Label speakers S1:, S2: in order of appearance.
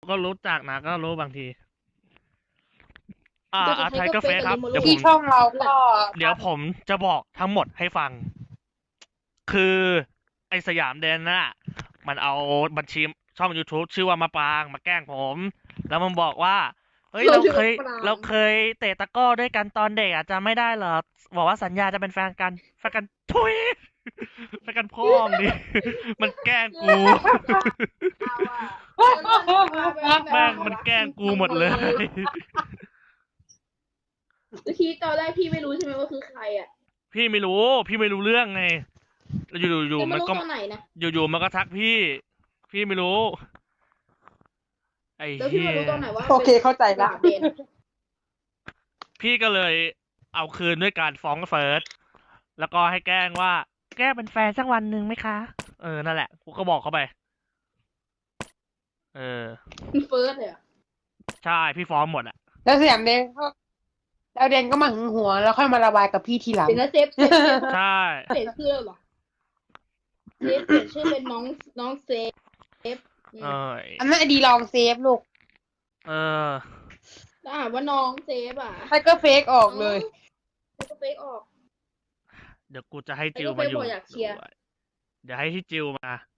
S1: ก็รู้จักนะก็รู้บางที
S2: แต่สุด
S1: ไท
S2: ท้าย
S1: ย
S2: ก็
S1: ก็
S2: เฟ
S1: เฟ
S2: ซ
S1: ซ
S2: กับ
S1: ครับ
S2: ลิโมโล
S1: เดี๋ยวผ
S3: ที่
S1: ม
S3: ช่องเราก็
S1: เดี๋ยวผมจะบอกทั้งหมดให้ฟัง คือไอสยามเดนน่ะ มันเอาบัญชีช่อง YouTube ชื่อว่ามะปรางมาแกล้งผม แล้วมันบอกว่า เฮ้ย
S2: เรา
S1: เรา
S2: ชื่อ
S1: เค
S2: มะ
S1: ย
S2: ปราง
S1: เราเคยเตะตะกร้อด้วยกันตอนเด็กอะจำไม่ได้เหรอ บอกว่าสัญญาจะเป็นแฟนกัน แฟนกันทุย แฟนกันพ่อมึงดิ มันแกล้งกู
S2: เอาอะ
S1: แม่งมันแกล้งกูหมดเลย
S2: แล้วทีตอนแรกพี่ไม่รู้ใช่ไหมว่าคือใครอ่ะ
S1: พี่ไม่รู้ พี่ไม่รู้เรื่องไง อยู่
S2: จะ
S1: ๆ
S2: มา
S1: มัน
S2: รู้
S1: ก็
S2: ตอนไหนนะ
S1: อยู่ๆมันก็ทักพี่ พี่ไม่รู้ ไอ้
S2: แล้วพี่
S1: เหี้
S2: มาย รู้ตอนไหนว่า
S3: โอเคเข้าใจ
S2: ส
S3: ละ
S2: ยามเดน
S1: พี่ก็เลยเอาคืนด้วยการฟ้องเฟิร์ส แล้วก็ให้แกล้งว่า แกล้งเป็นแฟนสักวันหนึ่งไหมคะ นั่นแหละ กูก็บอกเขาไป
S2: เฟิร์สเลยอ่ะ
S1: ใช่ พี่ฟ้องหมดอะ
S3: แล้วสยามเดนก็แล้วเดนก็มาหึงหวงแล้วค่อยมาระบายกับพี่ทีหลัง
S2: เป็นนะเซฟ
S1: ใช่
S2: เปลี่ยนชื่อเหรอเซฟเปลี่ยนชื่อเป็นน้องเซฟอืม
S3: อันนั้นไอดีลองเซฟลูก
S2: แล้วอ่านว่าน้องเซฟอ่ะ
S3: ไทเกอร์เฟกออกเลย
S2: แล้วก็เฟกออก
S1: เดี๋ยวกูจะให้จิวมาอยู่
S2: ไอ้ก็เฟซบอกอยากเชียร์
S1: ด้วยเดี๋ยวให้ที่จิวมา